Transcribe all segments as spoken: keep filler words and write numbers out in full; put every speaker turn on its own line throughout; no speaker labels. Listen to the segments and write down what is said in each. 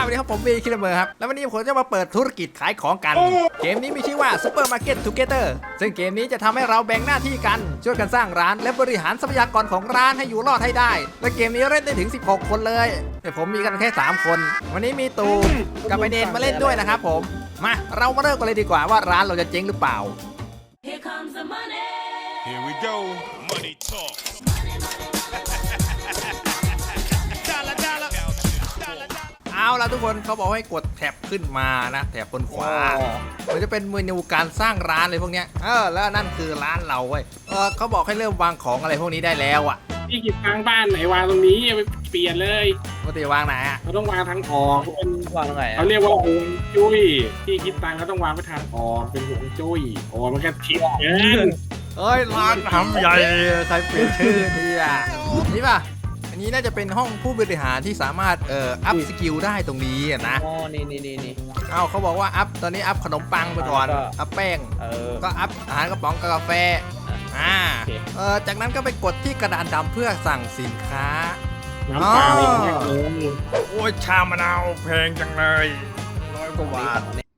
สวัสดีครับผมบีคิลเมอร์ครับแล้ววันนี้ผมจะมาเปิดธุรกิจขายของกันเกมนี้มีชื่อว่า Super Market Together ซึ่งเกมนี้จะทำให้เราแบ่งหน้าที่กันช่วยกันสร้างร้านและบริหารทรัพยากรของร้านให้อยู่รอดให้ได้และเกมนี้เล่นได้ถึงสิบหกคนเลยแต่ผมมีกันแค่สามคนวันนี้มีตูกับไอเดนมาเล่นด้วยนะครับผมมาเรามาเริ่มกันเลยดีกว่าว่าร้านเราจะเจ๊งหรือเปล่า
Here comes the money.
Here we go. Money talk. Dollar, dollar, dollar, dollar.
เอาล่ะทุกคนเขาบอกให้กดแท็บขึ้นมานะแท็บบนขวามันจะเป็นเมนูการสร้างร้านเลยพวกเนี้ยเออแล้วนั่นคือร้านเราเว้ยเออเขาบอกให้เริ่มวางของอะไรพวกนี้ได้แล้วอ่ะ
ที่กิจทางบ้านไหนวางตรงนี้ไปเปลี่ยนเลย
ปกติวางไหนอ่ะ
เราต้องวางทางออกเป็น
วางตรงไหน
เขาเรียกว่าฮวงจุ้ยที่คิดตังเขาต้องวางไปทางออกเป็นฮวงจุ้ยโอ้มันก็คิดเกิน
เอ้ยร้านทำใหญ่ใครเปลี่ยนชื่อดีอ่ะนี่ป่ะอันนี้น่าจะเป็นห้องผู้บริหารที่สามารถเอ่ออัพสกิลได้ตรงนี้อะนะ
อ๋อนี่นี่นี่นี่
เอ้าเขาบอกว่าอัพตอนนี้อัพขนมปังไปก่อน
แล้วก็
อัพแป้ง
เออ
ก็อัพอาหารกระป๋องกับกาแฟอ่า
โอเค
เออจากนั้นก็ไปกดที่กระดานดำเพื่อสั่งสินค้า
น้ำเปล่าอีกแค่เออ
โอ้ยชามะนาวแพงจังเลยร้อยกว่าบาท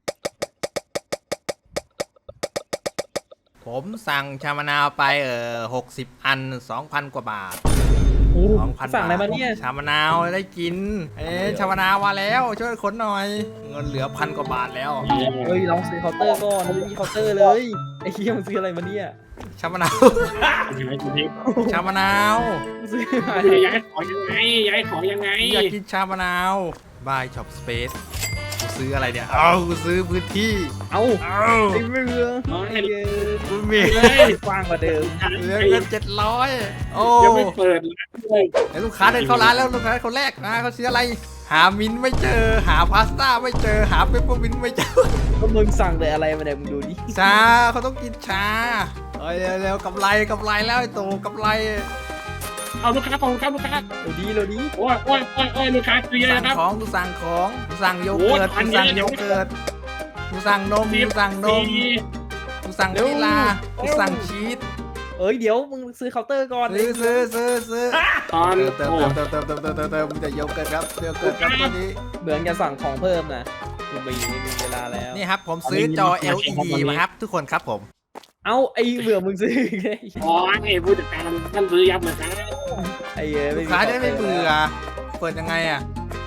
ผมสั่งชามะนาวไปเออหกสิบอันสองพันกว่าบาท
โอ้
สองพัน
สั่งอะไรมาเนี่ย
ชามะนาวได้กิน เอ๊ะชามะนาวมาแล้วช่วยขนหน่อย เงินเหลือพันกว่าบาทแล้ว
เฮ้ยลองซื้อเคาน์เตอร์ก่อนไม่มีเคาน์เตอร์เลยไอ้เหี้ยมึงซื้ออะไรมาเนี่ย
ชามะนาว
ย้ายของ
ชามะนาว
มึงซื้อมา
ย้ายของยังไงย้ายของยังไง
อยากกินชามะนาว Buy Shop Space กูซื้ออะไรเนี่ย เอากูซื้อพื้นที่
เอ้า
เอา
ไอ้เรือไอ้เหี้ย
กูมี
เลย
กว้างกว่าเดิม
เหลือเงินเจ็ดร้อยโอ้
ยังไม่เปิดร้านเลย
ไอ้ลูกค้าเดินเข้าร้านแล้วลูกค้าคนแรกนะเขาซื้ออะไร หามิ้นท์ไม่เจอ หาพาสต้าไม่เจอ หาเปปเปอร์มิ้นท์ไม่เจอ
ก็มึงสั่งแต่อะไรมาเนี่ยมึงดูดิ
ชาเขาต้องกินชาเอ้ยเร็วๆกำไรกำไรแล้วไอ้ตู่กำไร
เอาลูกค้าของลูกค้าลูกค้า
เดี๋ยวดีเดี๋ยวดี
โอ้ยโอ้ยโอ้ยโอ้ยลูกค้าซื้อเยอะ
สั่ง
นะครับ
ของกูสั่งของกูสั่งโยเกิร์ต
โอ้
กู
ย
สั่ง
อันนี้
โยเกิร์ตกูสั่งนมกูสั่งนมกูสั่งวานิลลากูสั่งชีส
เอ้ยเดี๋ยวมึงซื้อเคาน์เตอร์ก่อน
ซื้อซื้อซื้อซื้อ
ตอน
เติม
โอ้
เติมเติมเติมเติมเติมเติมเติมจะโยเกิร์ตครับโยเกิร์ตครับตัวนี้
เหมือนจะสั่งของเพิ่มนะกูไปอยู่ในมีเวลาแล้ว
นี่ครับผมซื้อจอ แอล อี ดี มาครับทุกคนครับผม
เอ้าไอ้เบื่อมึงซื้ออีกไง
อ๋อไอ้ผู้จัดการท่านซื้อยับเลยครับ
ไอ้เอ้ย
ลูกค้าจะได้ไม่เบื่อเปิดยังไงอ่ะ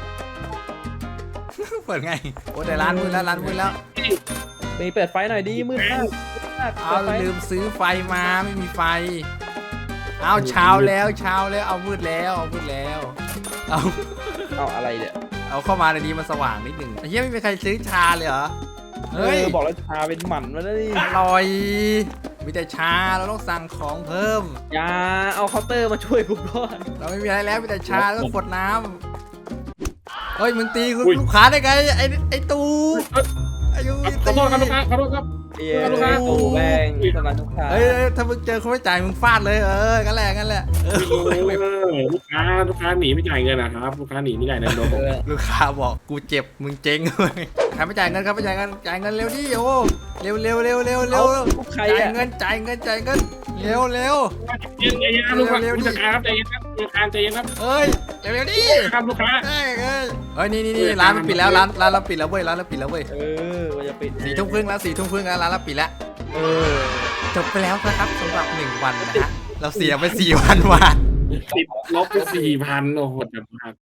เปิดไงโอ้แต่ร้านมืดแล้วร้านมืดแล้ว
ไปเปิดไฟหน่อยดิมืดมากมาก
เอา
ปิดไฟ
ลืมซื้อไฟมาไม่มีไฟ เอาเช้าแล้วเช้าแล้วเอามืดแล้วเอามืดแล้วเอา
เอาอะไรเนี่ย
เอาเข้ามาในนี้มันสว่างนิดหนึ่งไอ้เหี้ยไม่มีใครซื้อชาเลยเหรอ
เอ
เฮ้ย
อบอกแล้วชาเป็นหมันมาแล้วนี่
อร่อยมีแต่ชาเราต้องสั่งของเพิ่ม
อย่าเอาเคาน์เตอร์มาช่วยกูก่อน
เราไม่มีอะไรแล้วมีแต่ชาแล้วก็ขวดน้ำเฮ้ยมึงตีคุณลูกค้าได้ไงไอ้ไอ้ตูอายุ
ขอโทษครับลูกค้าขอโทษครับ
เอ้ย
ลูกค้า
โอ้แม่งสนันลูกค้า
เฮ้ยถ้ามึงเจอคนไม่จ่ายมึงฟาดเลยเออกันแหละกันแหละเออ
เออลูกค้าลูกค้าหนีไม่จ่ายเงินนะครับลูกค้าหนีไม่จ่ายเงินโดน
เออ
ลูกค้าบอกกูเจ็บมึงเจ๊งเลยใครไม่จ่ายเงินครับไม่จ่ายเงินจ่ายเงินเร็วดิโอ้เร็วเร็วเร็วเร็วเร็ว
ลูกใคร
จ่าย
อ่ะ
เงินจ่ายเงินจ่ายเงินเร็วเร็ว
เย็นเย็นครับลูกค้าผู้จัดการครับใจเย็นครับลูกค้าใจเย็นครับ
เอ้ยเร็วเร็วดิ
ครับลูกค้า
เอ้ยเอ้ยเฮ้ยนี่นี่นี่ร้านมันปิดแล้วร้านร้านเราปิดแล้วเว้ยร้านเราปิดแล้วเว้ย
เออว่าจะปิด
สี่ทุ่มครึ่งแล้วสี่ทุ่มครึ่งแล้วร้านเราปิดแล้ว
เออ
จบไปแล้วนะครับสำหรับหนึ่งวันนะฮะเราเสียไปสี่พันบาท
ติดลบไปสี่พันโอ้โหจัดมาก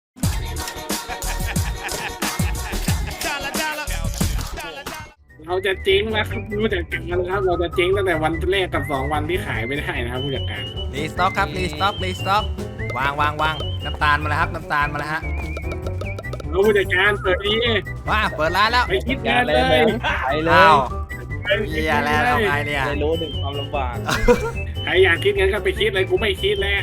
Dollar, dollar, dollar, dollar.
เราจะเจ๊งแล้วครับผู้จัดการครับเราจะเจ๊งตั้งแต่วันแรกกับสองวันที่ขายไม่ได้นะครับผู้จัดการ
รีสต็อกครับรีสต็อกรีสต็อกวางวางวางน้ำตาลมาแล้วครับน้ำตาลมาแล้วฮะ
เราผู้จัดการเปิดดี
ว้าเปิดร้านแล้ว
ไปคิด
งาง
าน น
เล
เลย ย
ไปเล
อ้าวย เฮียแล้วเอาไงเนี่ย
ได้รู้ถึงความลำบาก
ใครอยากคิดงั้นก็ไปคิดเลยกูไม่คิดแล้ว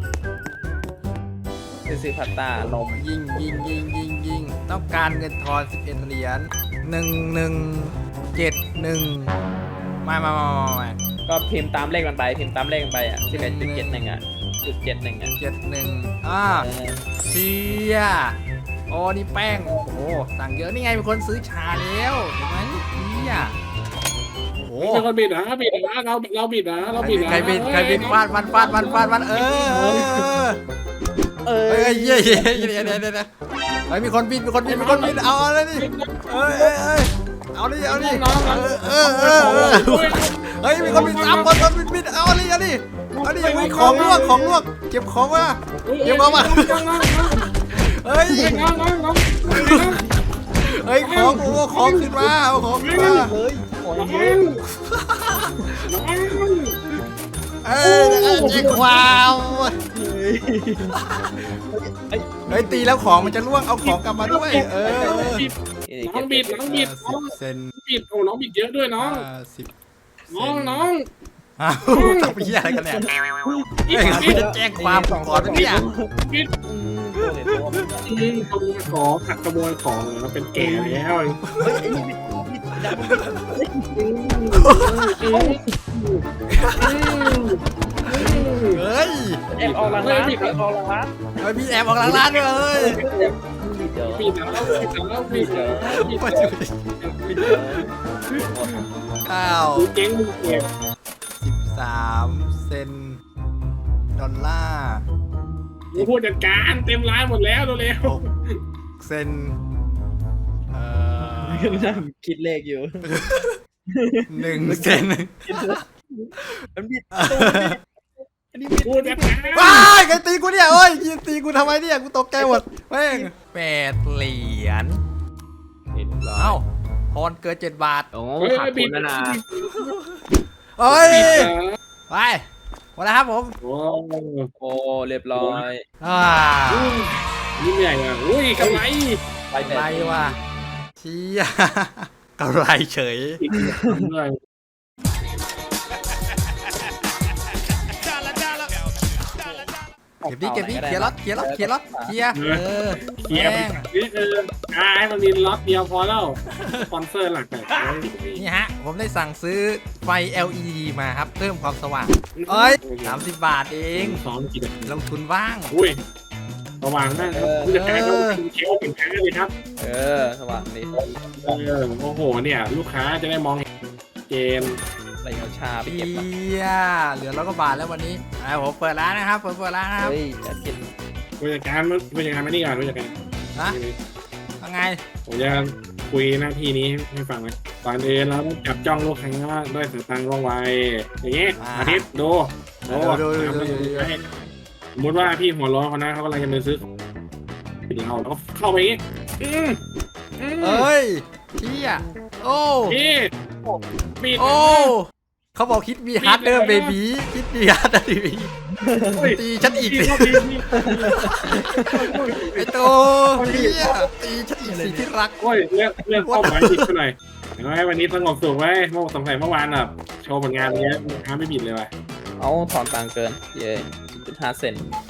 เป็นซื้อผัดตาลม
ยิงยิงยิงยิงยิงต้องการเงินทอนสิบเอ็ดเหรียญหนึ่งหนึ่งเจ็ดหนึ่งมามามามามา
ก็พิมพ์ตามเลขมันไปพิมพ์ตามเลขมันไปอ่ะสิบเอ็ดจุดเจ็ดหนึ่งอ่ะจุดเจ็ดหนึ่งอ่ะ
เจ็ดหนึ่งอ่า
เออ
เชียโอ้นี่แป้งโอ้โหสั่งเยอะนี่ไงเป็นคนซื้อชาแล้วเห็นไหมเชียโอ้โห
เป็นคนบิดนะบิดนะเราเราบิดนะเราบิดนะ
ใครบินใครบินฟาดฟันฟาดฟันฟาดฟันเออเออ
เอ
เฮ้
อย
เย้เย้เย้เย้เย้เย้เฮ้ยมีคนบินมีคนบินมีคนบินเอาอะไรนี่เอ้ยเอ้ยเอ้ยเอาดิเอาดิเออเออเออเออเฮ้ยมีคนบินสามคนคนบินบินเอาดิเอาดิเอาดิมีของลวกของลวกเก็บของมาเก็บของมาเฮ้ยเฮ้ยของโอ้ของขึ้นมาเอาของขึ้นมา
เลยขอเยอะ
เอ้ยแจ้งความเฮ้ยตีแล้วของมันจะล่วงเอาของกลับมาด้วยเออ
น้องบิดน้องบิดน้อง
เซน
บิดโอ้น้องบิดเยอะด้วยน้อง
สิบ
น้องน้อง
อ้าวทำพี่อะไรกันเนี่ยเฮ้ยเขาจะแจ้งความก่อนเนี่ย
บิด
อืมตัวเหรียญตัวมัน
อืมขโมยของขัดขโมยของแล้วเป็นแก่แล้ว
เฮ้ยไอ้นี่บิดบิดดำ
เฮ้ย
แอบออกหลังร้านแอบออกหลังร้าน
เฮ้ยพี่แอบออกหลังร้านด้วยเลย
บิดเดี๋ยว
บิดแล้วบิดแล้วบิดแล้วบิด
มา
แล้
ดู
ว
ดิ
บิดเดี๋ยว
อ้าว
กูเจ๊งมึงเก็บ
สิบสามเซนดอลลาร์
กูพูดจัดการเต็มร้านหมดแล้วเร็ว
หกเซนเอ่อ
นั่งคิดเลขอยู่
หนึ่งเซน
มันบิดอันนี้
ๆ
บิด
กูจัดการ
ว้ายใครตีกูเนี่ยเอ้ยยิงตีกูทำไมเนี่ยกูตกใจหมดแม่งแปดเหรียญ
เห็นแล้
เอ้าว พรเกินเจ็ดบาท
โอ้
เฮ้ย
ขาด
บิ
ทุ
ด
นแล้วนะ
เอ้ย
บิดเหรอ
ไปหมดแล้วครับผม
โอ้
โอ้เรียบร้อย
อ่า
นี่เหนื่อยอ่ะอุ้ยกำไร
ไป
อะ
แต่
ไรวะเชี่ยกำไรเฉย
เหนื่อย
Dollar, dollar. Dollar, dollar.
เก็บดิเก็บดิเคลียร์รถเคลียร์รถเคลียร์รถเคลียร์เออ
เคลียร์ไปนี่เอออ่าให้มันมีล็อตเดียวพอแล้วสปอนเซอร์หลักแต่
นี่ฮะผมได้สั่งซื้อไฟ แอล อี ดี มาครับเพิ่มความสว่างเอ้ยสามสิบบาทเอง
สองกี่นาที
ลงทุนบ้าง
อุ้ยระวังนะผู้จัดการต้องเช็คสินค้าเลยครับ
เออสว่างดี
เออโอ้โหเนี่ยลูกค้าจะได้มองเห็นเกม
อะไรเอาชาไป
เบี
เก็บมาย
เหลือร้อยกว่าบาทแล้ววันนี้อ่าผมเปิดร้านนะครับผมเปิดร้านนะครับ
เฮ้ยจะกิน
ผู้จัดการผู้จัดการมานี่ก่อนผู้จัดการ
นะยังไง
ผมจะคุยหน้าที่นี้ให้ฟังไหมก่อนอื่นเราต้องจับจ้องลูกค้าด้วยสายตาว่องไวอย่างเงี้ยอาทิตย์ดูดูสมมติว่าพี่หัวร้อนคนนั้นเขากำลังจะไปซื้อเราเราก็เข้าไปอย่างงี้อืมอืม
เอ้ยเชี่ยโอ้
พี่ปิด
โอ้เขาบอกคิดมีฮาร์ดเดอร์เบบีคิดมีฮาร์ดเดอร์เบบีตีฉันอีก
พี่
สิ
พี่พี่
ไอโตเชี่ยตีฉันอีกสิที่รัก
โอ้ยเรื่องเรื่องเป้าหมายผิดไปหน่อยเห็นไหมวันนี้สงบสุขไว้เมื่อสงสัยเมื่อวานแบบโชว์ผลงานเนี้ยลูกค้าไม่บิดเลยว่ะ
เอาถอนตังค์เกินเย้จุดห้าเซน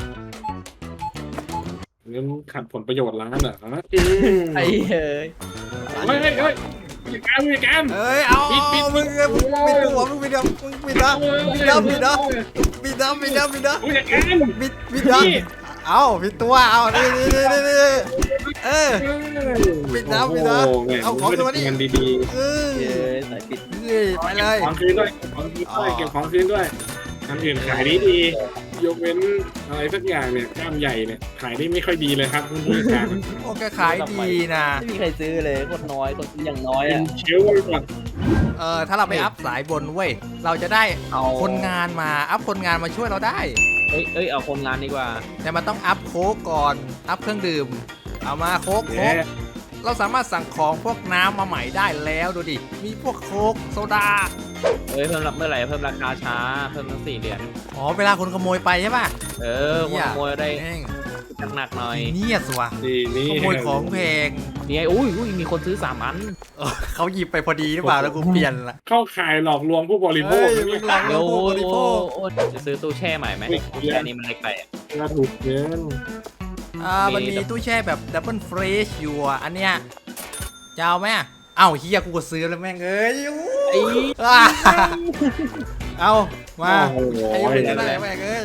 เรื่องขัดผลประโยชน์ร้านเหรอ
ไอ้เฮ้ย
เฮ้ยเฮ้ยเฮ้ยมีการมีการ
เอ้ยเอามึงมึงปิดหัวมึงปิดหัวมึงปิดนะปิดนะปิดนะปิดนะปิดนะปิดนะ
ผู้จัดการ
ปิดปิดนะเอาปิดตัวเอานี่นี่นี่นี่เออ ปิดนะปิดนะเอาของตัวนี้
เงินดี
เออ
เย้สายปิด
เฮ้ยไปเลย
ๆของคืนด้วยของคืนด้วยเก็บของคืนด้วยทำอื่นขายดีดียกเว้นอะไรสักอย่างเนี่ยกล้ามใหญ่เนี่ยขายได้ไม่ค่อยดีเลยครับคุณผู้จัดการ
โอ้แกขายดีนะ
ไม่มีใครซื้อเลยคนน้อยคนซื้ออย่างน้อย
เป็น
อ่ะ
เชลฟ์ไว้ก่อน
เออถ้าเราไปอัพสายบนเว้ยเราจะได้
เอา
คนงานมาอัพคนงานมาช่วยเราได้
เอ้ยเอ้ยเอาคนงานดีกว่า
แต่มันต้องอัพโค้กก่อน อัพเครื่องดื่ม เอามาโค้กโค้
เย้
กเราสามารถสั่งของพวกน้ำมาใหม่ได้แล้วดูดิ มีพวกโค้กโซดา
เอ้ยเพิ่มเมื่อไหร่เพิ่มราคาช้าเพิ่มตั้งสี่เดือน
อ๋อ เวลาคนขโมยไปใช่ป่ะ
เออคนขโมยได้
แม่ง
หนักๆหน่อย
เนียสว่ะ
นี่นี่
ขโมยของแพง
นี่ไงอุ้ยอุ้ยมีคนซื้อสามอัน
เออเขาหยิบไปพอดีหรือเปล่าแล้วกูเปลี่ยนละ
เข้าขายหลอกลวงผู้บริโภ
เฮ้
ค
ย
นะ
มึ
เนี่
ง
ย
หลอกล
เดี๋ยว ว
งผู้บริโภค
โอ้จะซื้อตู้แช่ใหม่ไหมตู้แช่นี้มันเล็กไปอะ
ก็ถูกเกิน
อ่ามันมีตู้แช่แบบดับเบิลเฟรชอยู่อ่ะอันเนี้ยจะเอาไหมอะเอ้าเฮียกูก็ซื้อแล้วแม่งเอ้ยอู้
ไอ้
อ่าเอามา
โอ้โห
ไอ้ยังไม่ได้แม่งเอ้ย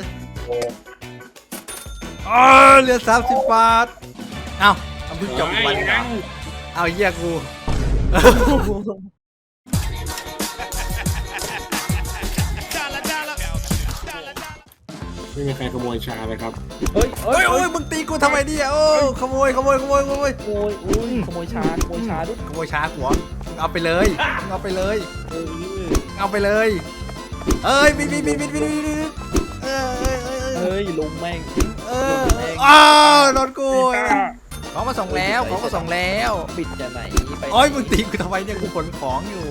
อ๋อเหลือสามสิบบาทเอ้าเอาเพิ่งจบอีกวันเหรอเอาเฮียกู
dollar, dollar. Dollar, dollar.
ไม่มีใครขโมยชาเลยครับ
เฮ้ย
เฮ้ยโอ้ยมึงตีกูทำไมเนี่ยโอ้ขโมยขโมยขโมยขโมยขโมย
ขโมยอุ้ยขโมยชาขโมยชาด้วย
ขโมยช้าหัวมึงเอาไปเลยมึงเอาไปเลยเอาไปเลยเอ้ยบินบินบินบินบินบินเออเออเออ
เฮ้ยลุงแม่ง
เอออ้าวโดนกูของมาส่งแล้วของมาส่งแล้ว
บิดจะไหนไป
โอ้ยมึงตีกูทำไมเนี่ยกูขนของอยู่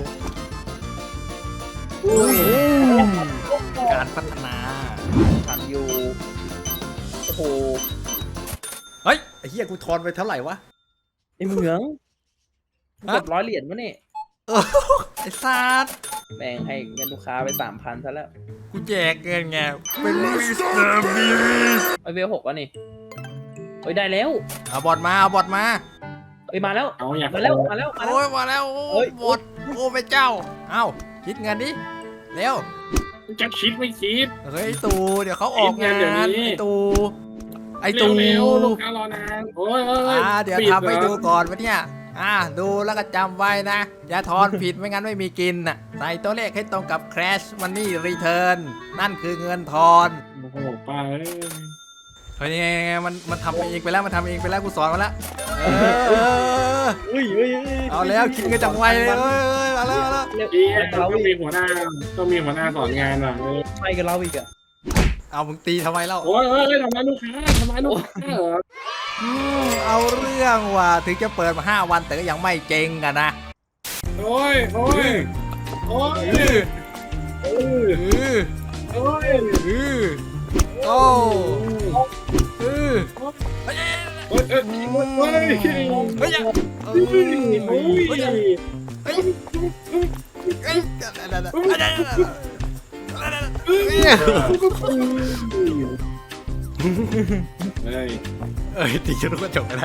การพัฒนา
ทันอยู่โอ้โห
เฮ้ยไอ้เหี้ยกูทอนไปเท่าไหร่วะ
ไอเหมืองเกือบร้อยเหรียญวะนี่
เออไอ้สัตว์
แบ่งให้เงินลูกค้าไปสามพันซะแล้ว
กูแจกเงินไงเป็นมิสเตอร์บีส
ไอเวลหกวะนี่เฮ้ยได้แล้ว
เอาบอดมาเอาบอดมา
เฮ้ยมาแล้ว
เอาอยาก
มาแล้วมาแล้วมาแล้ว
โอ้ยมาแล้วโอ้
เฮ้ย
บอดโอ้พระเจ้าเอ้าคิดเงินดิเร็ว
จะคิดไม่คิด
เฮ้ยตูเดี๋ยวเขาออกงาน
คิดเงินเดี๋ยวนี้
ไอ้ตูไอ้ตู
เร็วๆลูกค้ารอนานโอ้ยโอ้ย
อ่าเดี๋ยว
ปิ
ทำให้
เรอ
ดูก่อนวะเนี่ยอ่าดูแล้วก็จำไว้นะ อย่าทอนผิดไม่งั้นไม่มีกินน่ะใส่ตัวเลขให้ตรงกับ Crash Money Return นั่นคือเงินทอน
โอ้โหป้าเอ้ย
เฮ้ยยังไงยังไงมันมันทำเองไปแล้วมันทำเองไปแล้วกูสอนมาแล้วเออ
เฮ้ยเฮ้ยเฮ้ย
เอาแล้วคิดเงินจากไวเลยเอ้ยเอ้ยมาแล้วมาแล้ว
เร็ว
เอี๊ย
ไปกับเรา
ต้อง
อี
มี
ก
หัวหน้าต้องมีหัวหน้าสอนงานอ่ะเออ
ไปกับเราอีกอะ
เอามึงตีทำไมเล่า
โอ้ยโอ้ยทำร้ายลูกค้าทำร้ายลูกค้าเหรอ
อืมเอาเรื่องว่ะถึงจะเปิดมาห้าวันแต่ก็ยังไม่เจ๊งกันนะ
โอ้ยโอ้ยโอ้ย
เออ
เออ
เออ
โอ้ย
เออโอ้เออ
โอ้ยเอ้ยโอ้ย
เฮ้ยเฮ้ยเฮ้ยเฮ้ยเฮ้ยเฮ้ยเฮ้ยเอ้ยตีจนก็จบก็ได้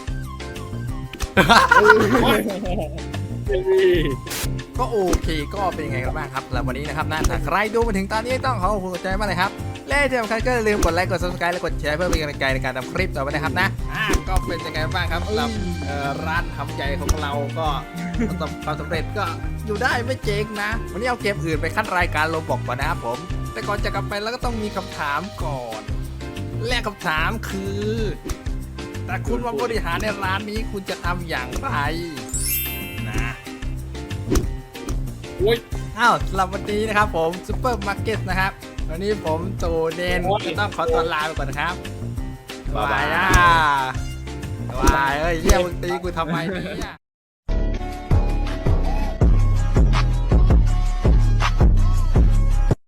ก็โอเคก็เป็นยังไงกันบ้างครับแล้ววันนี้นะครับนะถ้าใครดูมาถึงตอนนี้ต้องขอขอบคุณใจมากเลยครับและที่สำคัญก็อย่าลืมกดไลค์กด ซับสไครบ์และกดแชร์เพื่อเป็นกำลังใจในการทำคลิปต่อไปนะครับนะอ่าก็เป็นยังไงบ้างครับสำหรับเอ่อร้านทำใจของเราก็ประสบความสำเร็จก็อยู่ได้ไม่เจ๊งนะวันนี้เอาเกมอื่นไปขั้นรายการโลบอกก่อนนะครับผมแต่ก่อนจะกลับไปแล้วก็ต้องมีคำถามก่อนและคำถามคือแต่คุณมาบริหารในร้านนี้คุณจะทำอย่างไรนะ
โอ้ย
อ้าวสำหรับวันนี้นะครับผมซูเปอร์มาร์เก็ตนะครับวันนี้ผมตูเดนจะต้องขอตัวลาไปก่อนนะครับบายอ่ะบายเอ้ยเยี่ยมึงตีกูทำไมเนี่ย